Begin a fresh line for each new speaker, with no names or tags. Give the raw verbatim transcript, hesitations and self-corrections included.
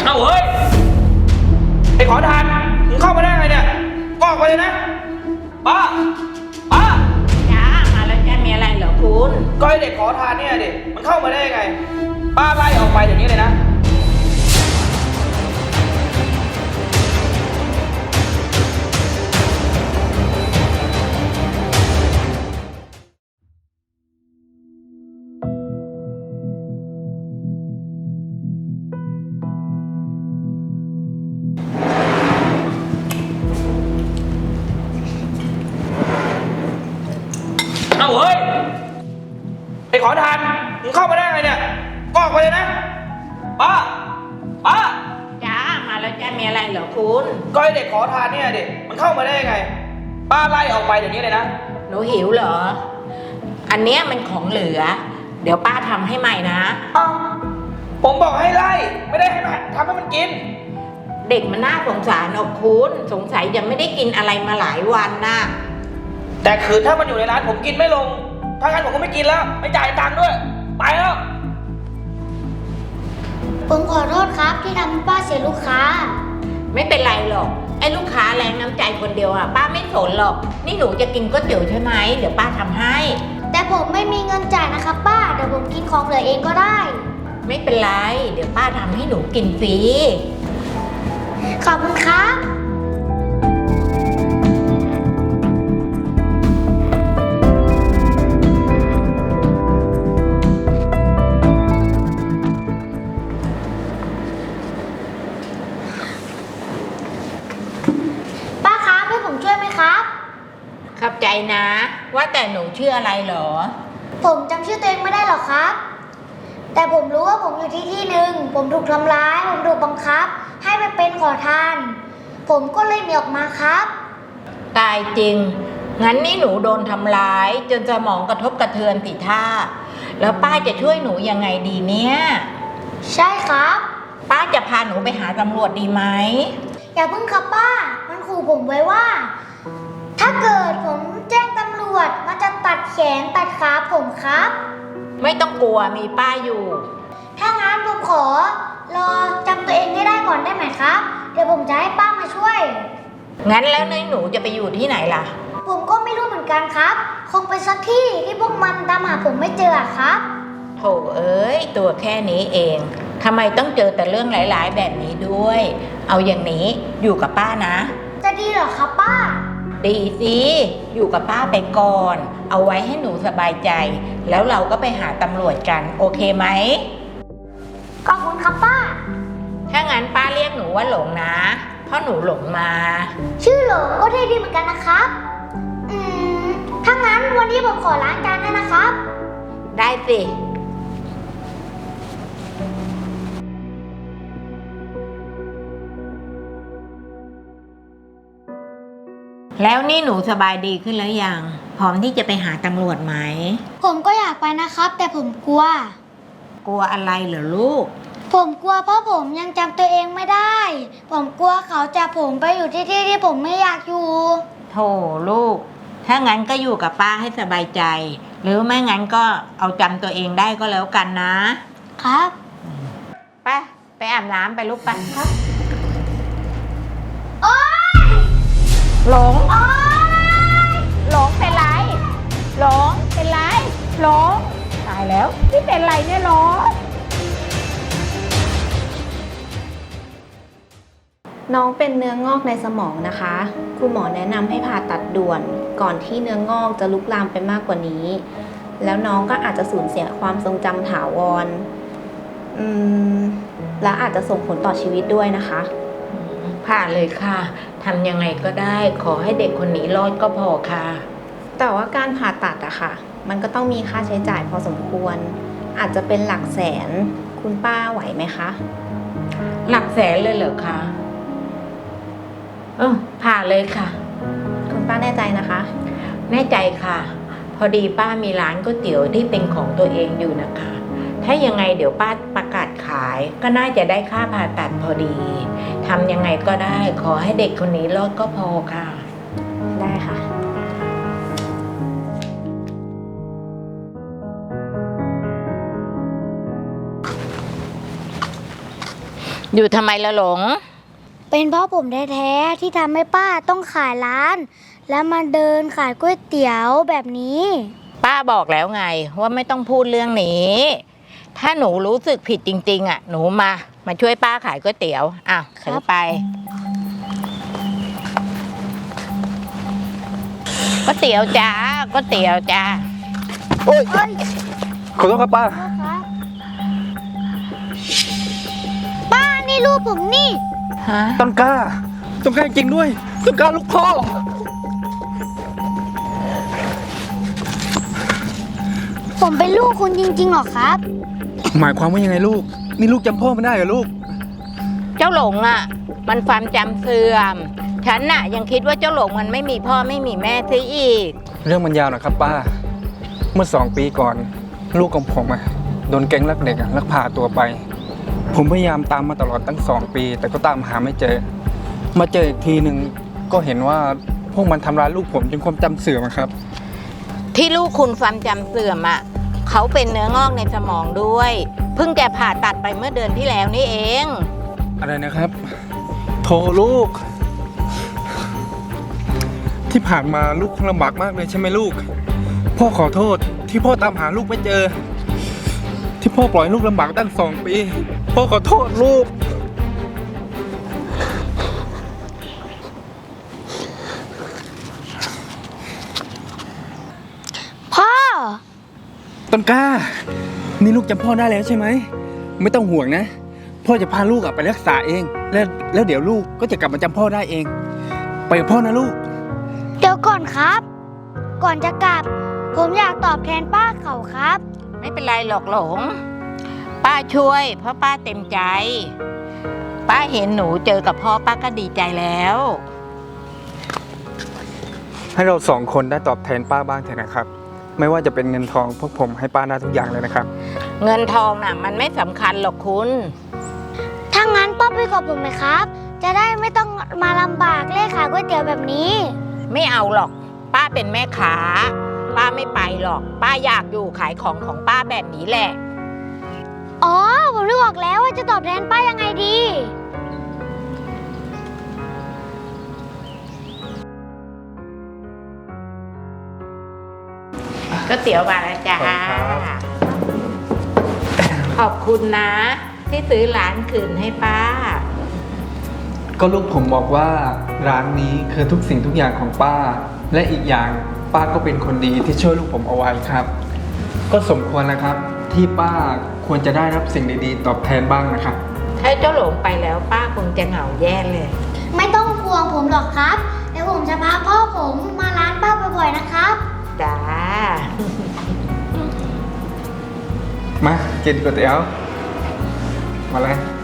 เอาเฮ้ยไอ้ขอทานมึงเข้ามาได้ไงเนี่ยก็ออกไปเลยนะป้าป้า
จ้ามาแล้วจ้ามีอะไรเหรอคุณ
ก็ไอ้เด็กขอทานเนี่ยเด็กมันเข้ามาได้ยังไงป้าไล่ออกไปเดี๋ยวนี้เลยนะเอาเฮ้ยไอ้ขอทานมึงเข้ามาได้ไงเนี่ยก็ออกไปเลยนะป้าป้า
จ้ามาแล้วจ้ามีอะไรเหรอคุณ
ก็ไอ้เด็กขอทานเนี่ยเด็กมันเข้ามาได้ยังไงป้าไล่ออกไปเดี๋ยวนี้เลยนะ
หนูหิวเหรออันเนี้ยมันของเหลือเดี๋ยวป้าทำให้ใหม่นะ
อ้าวผมบอกให้ไล่ไม่ได้ให้มันทำให้มันกิน
เด็กมันน่าสงสารออกคุณสงสัยยังไม่ได้กินอะไรมาหลายวันนะ
แต่คืนถ้ามันอยู่ในร้านผมกินไม่ลงถ้างั้นผมก็ไม่กินแล้วไม่จ่ายตังค์ด้วยไปแล้ว
ผมขอโทษครับที่ทำให้ป้าเสียลูกค้า
ไม่เป็นไรหรอกไอ้ลูกค้าแรงน้ำใจคนเดียวอ่ะป้าไม่สนหรอกนี่หนูจะกินก๋วยเตี๋ยวใช่ไหมเดี๋ยวป้าทำให้
แต่ผมไม่มีเงินจ่ายนะครับป้าเดี๋ยวผมกินของเหลือเองก็ได้
ไม่เป็นไรเดี๋ยวป้าทำให้หนูกินฟรี
ขอบคุณครับ
ขอบใจนะว่าแต่หนูชื่ออะไรเหรอ
ผมจำชื่อตัวเองไม่ได้หรอกครับแต่ผมรู้ว่าผมอยู่ที่ที่หนึ่งผมถูกทำร้ายผมถูกบังคับให้ไปเป็นขอทานผมก็เลยหนีออกมาครับ
ตายจริงงั้นนี่หนูโดนทำร้ายจนสมองกระทบกระเทือนติท่าแล้วป้าจะช่วยหนูยังไงดีเนี่ย
ใช่ครับ
ป้าจะพาหนูไปหาตำรวจดีไหม
อย่าเพิ่งครับป้ามันขู่ผมไว้ว่าถ้าเกิดผมแจ้งตำรวจมันจะตัดแขนตัดขาผมครับ
ไม่ต้องกลัวมีป้าอยู่
ถ้างั้นผมขอรอจำตัวเองให้ได้ก่อนได้ไหมครับเดี๋ยวผมจะให้ป้ามาช่วย
งั้นแล้วนายหนูจะไปอยู่ที่ไหนล่ะ
ผมก็ไม่รู้เหมือนกันครับคงไปสักที่ที่พวกมันตามหาผมไม่เจอครับ
โถเอ้ยตัวแค่นี้เองทำไมต้องเจอแต่เรื่องหลายๆแบบนี้ด้วยเอาอย่างนี้อยู่กับป้านะ
จะดีเหรอครับป้า
ดีสิอยู่กับป้าไปก่อนเอาไว้ให้หนูสบายใจแล้วเราก็ไปหาตำรวจกันโอเคไหม
ขอบคุณครับป้า
ถ้างั้นป้าเรียกหนูว่าหลงนะเพราะหนูหลงมา
ชื่อหลงก็เท่ดีเหมือนกันนะครับอืมถ้างั้นวันนี้ผมขอล้างจานให้นะครับ
ได้สิแล้วนี่หนูสบายดีขึ้นแล้วยังพร้อมที่จะไปหาตำรวจไหม
ผมก็อยากไปนะครับแต่ผมกลัว
กลัวอะไรเหรอลูก
ผมกลัวเพราะผมยังจำตัวเองไม่ได้ผมกลัวเขาจับผมไปอยู่ที่ที่ที่ผมไม่อยากอยู่
โธ่ลูกถ้างั้นก็อยู่กับป้าให้สบายใจหรือไม่งั้นก็เอาจำตัวเองได้ก็แล้วกันนะครับไปไปอาบน้ำไปลูกไปครับ
โอ๊ย
หลงหลงเป็นไรหลงเป็นไรหลงตายแล้วนี่เป็นไรเนี่ยหลง
น้องเป็นเนื้องอกในสมองนะคะคุณหมอแนะนำให้ผ่าตัดด่วนก่อนที่เนื้องอกจะลุกลามไปมากกว่านี้แล้วน้องก็อาจจะสูญเสียความทรงจำถาวรอืมและอาจจะส่งผลต่อชีวิตด้วยนะคะ
ผ่าเลยค่ะทำยังไงก็ได้ขอให้เด็กคนนี้รอดก็พอค่ะ
แต่ว่าการผ่าตัดอะค่ะมันก็ต้องมีค่าใช้จ่ายพอสมควรอาจจะเป็นหลักแสนคุณป้าไหวไหมคะ
หลักแสนเลยเหรอคะเออผ่าเลยค่ะ
คุณป้าแน่ใจนะคะ
แน่ใจค่ะพอดีป้ามีร้านก๋วยเตี๋ยวที่เป็นของตัวเองอยู่นะคะถ้ายังไงเดี๋ยวป้าประกาศขายก็น่าจะได้ค่าผ่าตัดพอดีทำยังไงก็ได้ขอให้เด็กคนนี้รอดก็พอค่ะ
ได้ค่ะ
อยู่ทำไมละหลง
เป็นเพราะผมแท้ๆที่ทำให้ป้าต้องขายร้าน แล้วมาเดินขายก๋วยเตี๋ยวแบบนี้
ป้าบอกแล้วไงว่าไม่ต้องพูดเรื่องนี้ ถ้าหนูรู้สึกผิดจริงๆอ่ะหนูมามาช่วยป้าขายก๋วยเตี๋ยวอ่ะถือไปก๋วยเตี๋ยวจ้าก๋วยเตี๋ยวจ้า
โอ๊ย
เฮ้ย
ขอโทษครับป้า
พ่อครับป้านี่ลูกผมนี่
ฮะ
ต้นกล้า ต้นกล้าจริงด้วย ต้นกล้าลูกพ่อ
ผมเป็นลูกคุณจริงๆหรอครับ
หมายความว่ายังไงลูก นี่ลูกจำพ่อไม่ได้เหรอลูก
เจ้าหลงอ่ะ มันความจำเสื่อม ฉันน่ะยังคิดว่าเจ้าหลงมันไม่มีพ่อไม่มีแม่ซะอีก
เรื่องมันยาวหน่อยครับป้า เมื่อสองปีก่อน ลูกของผมอะโดนแก๊งลักเด็กอะลักพาตัวไป ผมพยายามตามมาตลอดตั้งสองปี แต่ก็ตามหาไม่เจอ มาเจออีกทีหนึ่งก็เห็นว่าพวกมันทำร้ายลูกผมจนความจำเสื่อมอะครับ
ที่ลูกคุณความจำเสื่อมอ่ะเขาเป็นเนื้องอกในสมองด้วย เพิ่งจะผ่าตัดไปเมื่อเดือนที่แล้วนี่เอง
อะไรนะครับ โทรลูก ที่ผ่านมาลูกคงลำบากมากเลยใช่ไหมลูก พ่อขอโทษที่พ่อตามหาลูกไม่เจอ ที่พ่อปล่อยลูกลำบากตั้งสองปี พ่อขอโทษลูก
พ่อ
ต้นกล้า นี่ลูกจำพ่อได้แล้วใช่ไหม ไม่ต้องห่วงนะ พ่อจะพาลูกอะไปรักษาเอง แล้วแล้วเดี๋ยวลูกก็จะกลับมาจำพ่อได้เอง ไปกับพ่อนะลูก
เดี๋ยวก่อนครับ ก่อนจะกลับ ผมอยากตอบแทนป้าเขาครับ
ไม่เป็นไรหรอกหลง ป้าช่วยเพราะป้าเต็มใจ ป้าเห็นหนูเจอกับพ่อป้าก็ดีใจแล้ว
ให้เราสองคนได้ตอบแทนป้าบ้างเถอะนะครับ ไม่ว่าจะเป็นเงินทองพวกผมให้ป้าได้ทุกอย่างเลยนะครับ
เงินทองน่ะมันไม่สำคัญหรอกคุณ
ถ้างั้นป้าไปกับผมไหมครับ จะได้ไม่ต้องมาลำบากเลขขายก๋วยเตี๋ยวแบบนี้
ไม่เอาหรอก ป้าเป็นแม่ค้า ป้าไม่ไปหรอก ป้าอยากอยู่ขายของของป้าแบบนี้แหละ
อ๋อ ผมรู้ออกแล้วว่าจะตอบแทนป้ายังไงดี
ก็เตี๋ยวมาแล้วจ้า
ขอบคุณครับ
ขอบคุณนะ ที่ซื้อร้านคืนให้ป้า
ก็ลูกผมบอกว่าร้านนี้คือทุกสิ่งทุกอย่างของป้า และอีกอย่างป้าก็เป็นคนดีที่ช่วยลูกผมเอาไว้ครับ ก็สมควรแล้วครับ ที่ป้าควรจะได้รับสิ่งดีๆ ตอบแทนบ้างนะครับ
ถ้าเจ้าหลงไปแล้วป้าคงจะเหงาแย่เลย
ไม่ต้องห่วงผมหรอกครับ เดี๋ยวผมจะพาพ่อผมมาร้านป้าบ่อยๆนะครับ
จ้า
มากินก๋วยเตี๋ยว มาเลย